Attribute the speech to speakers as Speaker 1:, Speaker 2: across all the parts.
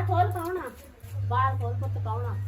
Speaker 1: खोल कौन आ बाहर खोल पुत कौन आ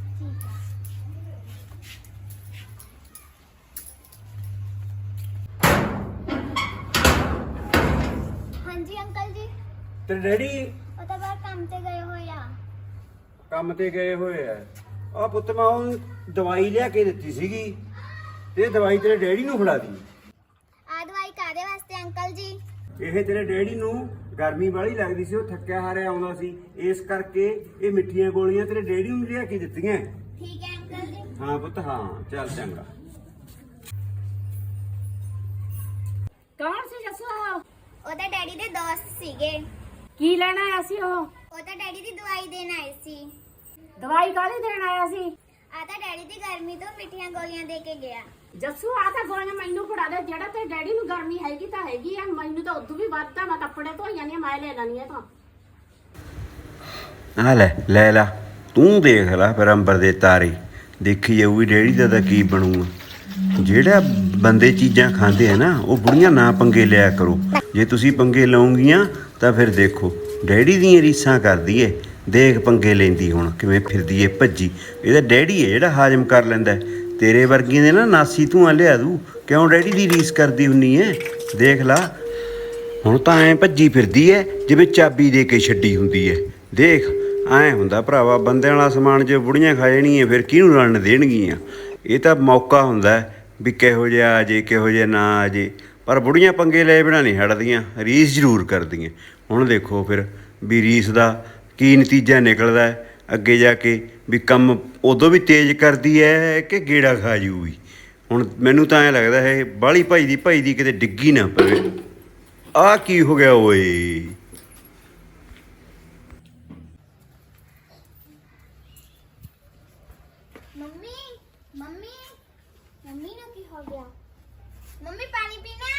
Speaker 2: हाँ जी अंकल जी
Speaker 3: ਤੇ ਡੈਡੀ
Speaker 2: ਉਹ ਤਾਂ ਬਾਹਰ ਕੰਮ ਤੇ ਗਏ ਹੋਏ ਆ।
Speaker 3: ਕੰਮ ਤੇ ਗਏ ਹੋਏ ਆ। ਆ ਪੁੱਤ ਮੈਂ ਉਹ ਦਵਾਈ ਲਿਆ ਕੇ ਦਿੱਤੀ ਸੀਗੀ ਤੇ ਇਹ ਦਵਾਈ ਤੇਰੇ ਡੈਡੀ ਨੂੰ ਫੜਾ ਦੀ।
Speaker 2: ਆ ਦਵਾਈ ਕਾਦੇ ਵਾਸਤੇ ਅੰਕਲ ਜੀ?
Speaker 3: ਇਹ ਤੇਰੇ ਡੈਡੀ ਨੂੰ ਗਰਮੀ ਵਾਲੀ ਲੱਗਦੀ ਸੀ, ਉਹ ਥੱਕਿਆ ਹਾਰਿਆ ਆਉਂਦਾ ਸੀ, ਇਸ ਕਰਕੇ ਇਹ ਮਿੱਠੀਆਂ ਗੋਲੀਆਂ ਤੇਰੇ ਡੈਡੀ ਨੂੰ ਲਿਆ ਕੇ ਦਿੱਤੀਆਂ।
Speaker 2: ਠੀਕ ਹੈ ਅੰਕਲ ਜੀ।
Speaker 3: ਹਾਂ ਪੁੱਤ ਹਾਂ, ਚੱਲ ਚੰਗਾ।
Speaker 1: कौन सी जसो
Speaker 2: ਉਹਦਾ ਡੈਡੀ ਦੇ ਦੋਸਤ ਸੀਗੇ।
Speaker 1: की लेना आया सी
Speaker 2: ਉਹ ਤਾਂ ਡੈਡੀ ਦੀ ਦਵਾਈ ਦੇਣ ਆਏ ਸੀ।
Speaker 1: दवाई काली देन आया सी
Speaker 2: ਆ ਤਾਂ ਡੈਡੀ ਦੀ ਗਰਮੀ ਤੋਂ ਮਿੱਠੀਆਂ ਗੋਲੀਆਂ ਦੇ ਕੇ ਗਿਆ।
Speaker 1: ਜੱਸੂ ਆ ਤਾਂ ਗੋਲੀਆਂ ਮੈਨੂੰ ਫੜਾ ਦੇ ਜਿਹੜਾ ਤੇ ਡੈਡੀ ਨੂੰ ਗਰਮੀ ਹੈਗੀ ਤਾਂ ਹੈਗੀ ਆ ਮੈਨੂੰ ਤਾਂ ਉਦੋਂ ਵੀ ਵੱਧਦਾ ਮੈਂ ਕੱਪੜੇ ਧੋਈ ਜਾਂਦੀ ਆ ਮੈਂ ਲੈ ਲੈਣੀ ਆ ਤਾਂ
Speaker 3: ਆ ਲੈ ਲਾ ਤੂੰ ਦੇਖ ਲੈ ਫਿਰ ਅੰਬਰ ਦੇ ਤਾਰੇ ਦੇਖੀ ਜਾਊਗੀ ਡੈਡੀ ਦਾ ਤਾਂ ਕੀ ਬਣੂਗਾ। ਜਿਹੜਾ ਬੰਦੇ ਚੀਜ਼ਾਂ ਖਾਂਦੇ ਆ ਨਾ ਉਹ ਬੁੜੀਆਂ ਨਾ ਪੰਗੇ ਲਿਆ ਕਰੋ। ਜੇ ਤੁਸੀਂ ਪੰਗੇ ਲਾਉਂਗੀਆਂ ਤਾਂ ਫਿਰ ਦੇਖੋ ਡੈਡੀ ਦੀਆਂ ਰੀਸਾਂ ਕਰਦੀ ਏ। ਦੇਖ ਪੰਗੇ ਲੈਂਦੀ ਹੁਣ ਕਿਵੇਂ ਫਿਰਦੀ ਏ ਭੱਜੀ। ਇਹਦਾ ਡੈਡੀ ਏ ਜਿਹੜਾ ਹਾਜ਼ਮ ਕਰ ਲੈਂਦਾ। ਤੇਰੇ ਵਰਗੀਆਂ ਦੇ ਨਾ ਨਾਸੀ ਧੂਆਂ ਲਿਆ ਦੂ। ਕਿਉਂ ਡੈਡੀ ਦੀ ਰੀਸ ਕਰਦੀ ਹੁੰਨੀ ਏ? ਦੇਖ ਲਾ ਹੁਣ ਤਾਂ ਐਂ ਭੱਜੀ ਫਿਰਦੀ ਏ ਜਿਵੇਂ ਚਾਬੀ ਦੇ ਕੇ ਛੱਡੀ ਹੁੰਦੀ ਏ। ਦੇਖ ਐਂ ਹੁੰਦਾ ਭਰਾਵਾ ਬੰਦਿਆਂ ਵਾਲਾ ਸਮਾਨ ਜੇ ਬੁੜੀਆਂ ਖਾ ਜਾਣੀਆਂ ਫਿਰ ਕਿਹਨੂੰ ਰਲਣ ਦੇਣਗੀਆਂ। ਇਹ ਤਾਂ ਮੌਕਾ ਹੁੰਦਾ ਵੀ ਕਿਹੋ ਜਿਹਾ ਆ ਜੇ ਕਿਹੋ ਜਿਹਾ ਨਾ ਆ ਜੇ, ਪਰ ਬੁੜੀਆਂ ਪੰਗੇ ਲੈ ਬਿਨਾਂ ਨਹੀਂ ਹਟਦੀਆਂ, ਰੀਸ ਜ਼ਰੂਰ ਕਰਦੀਆਂ। ਹੁਣ ਦੇਖੋ ਫਿਰ ਵੀ ਰੀਸ ਦਾ ਕੀ ਨਤੀਜਾ ਨਿਕਲਦਾ ਅੱਗੇ ਜਾ ਕੇ, ਵੀ ਕੰਮ ਉਦੋਂ ਵੀ ਤੇਜ਼ ਕਰਦੀ ਹੈ ਕਿ ਗੇੜਾ ਖਾ ਜੂਗੀ। ਹੁਣ ਮੈਨੂੰ ਤਾਂ ਐਂ ਲੱਗਦਾ ਹੈ ਬਾਹਲੀ ਭਾਈ ਦੀ ਕਿਤੇ ਡਿੱਗੀ ਨਾ ਪਵੇ। ਆਹ ਕੀ ਹੋ ਗਿਆ ਓਏ?
Speaker 2: ਮੰਮੀ ਮੰਮੀ ਮੰਮੀ ਨੂੰ ਕੀ ਹੋ ਗਿਆ? ਮੰਮੀ ਪਾਣੀ ਪੀਣਾ?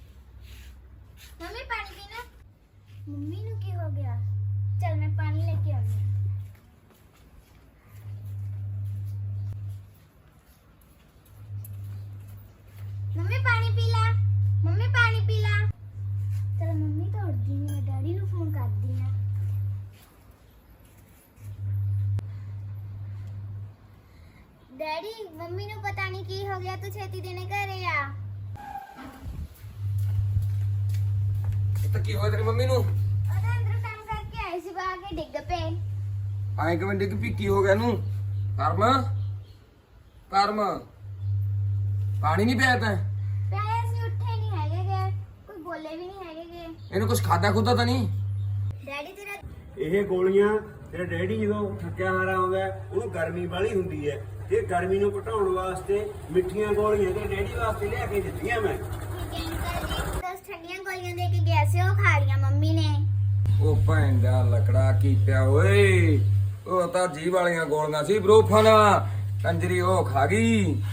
Speaker 2: ਮੰਮੀ ਪਾਣੀ ਪੀਣਾ? ਮੰਮੀ ਨੂੰ ਕੀ ਹੋ ਗਿਆ? ਚਲ ਮੈਂ ਪਾਣੀ ਲੈ ਕੇ ਆਉਂਦੀ ਹਾਂ। ਮੰਮੀ ਪਾਣੀ ਪੀ ਲਾ। ਮੰਮੀ ਪਾਣੀ ਪੀ ਲਾ। ਚਲ ਮੰਮੀ ਤਾਂ ਉੱਠਦੀ ਨਹੀਂ, ਮੈਂ ਡੈਡੀ ਨੂੰ ਫੋਨ ਕਰਦੀ ਹਾਂ। ਡੈਡੀ ਮੰਮੀ ਨੂੰ ਪਤਾ ਨਹੀਂ ਕੀ ਹੋ ਗਿਆ, ਤੂੰ ਛੇਤੀ ਦੇਣੇ ਘਰੇ ਆ।
Speaker 4: ਤਾਂ ਕੀ ਹੋਇਆ ਤੇਰੀ ਮੰਮੀ ਨੂੰ?
Speaker 2: ਉਹਦਾ ਅੰਦਰ ਕੰਮ ਕਰਕੇ ਆਏ ਸੀ, ਬਾਹਰ ਕੇ ਡਿੱਗ ਪਏ।
Speaker 4: ਆਏ ਕਿਵੇਂ ਡਿੱਗ ਪਈ? ਕੀ ਹੋ ਗਿਆ ਇਹਨੂੰ? ਕਰਮ ਪਾਣੀ ਨਹੀਂ ਪਿਆ ਤੈਂ?
Speaker 2: ਪਿਆਰੇ ਅਸੀਂ ਉੱਠੇ ਨਹੀਂ ਹੈਗੇ ਗੇ, ਕੋਈ ਬੋਲੇ ਵੀ ਨਹੀਂ ਹੈਗੇ ਗੇ।
Speaker 4: ਇਹਨੂੰ ਕੁਝ ਖਾਦਾ ਖੁਦਾ ਤਾਂ ਨਹੀਂ?
Speaker 2: ਡੈਡੀ ਤੇਰਾ
Speaker 3: ਇਹ ਗੋਲੀਆਂ ਤੇਰਾ ਡੈਡੀ ਜਦੋਂ ਥੱਕਿਆ ਹਾਰਾ ਆਉਂਦਾ ਉਹਨੂੰ ਗਰਮੀ ਵਾਲੀ ਹੁੰਦੀ ਹੈ। ਇਹ ਗਰਮੀ ਨੂੰ ਘਟਾਉਣ ਵਾਸਤੇ ਮਿੱਠੀਆਂ ਗੋਲੀਆਂ ਤੇ ਡੈਡੀ ਵਾਸਤੇ ਲਿਆ ਕੇ ਦਿੱਤੀਆਂ ਮੈਂ।
Speaker 2: ਦਸ ਠੰਡੀਆਂ ਗੋਲੀਆਂ ਦੇ ਕੇ ਗਿਆ ਸੀ, ਉਹ ਖਾ ਲੀਆਂ ਮੰਮੀ ਨੇ।
Speaker 4: ਉਹ ਭੈਣ ਦਾ ਲਕੜਾ ਕੀ ਪਿਆ ਓਏ। ਉਹ ਤਾਂ ਜੀਭ ਵਾਲੀਆਂ ਗੋਲੀਆਂ ਸੀ ਬਰੋਫਨ, ਕੰਜਰੀ ਉਹ ਖਾ ਗਈ।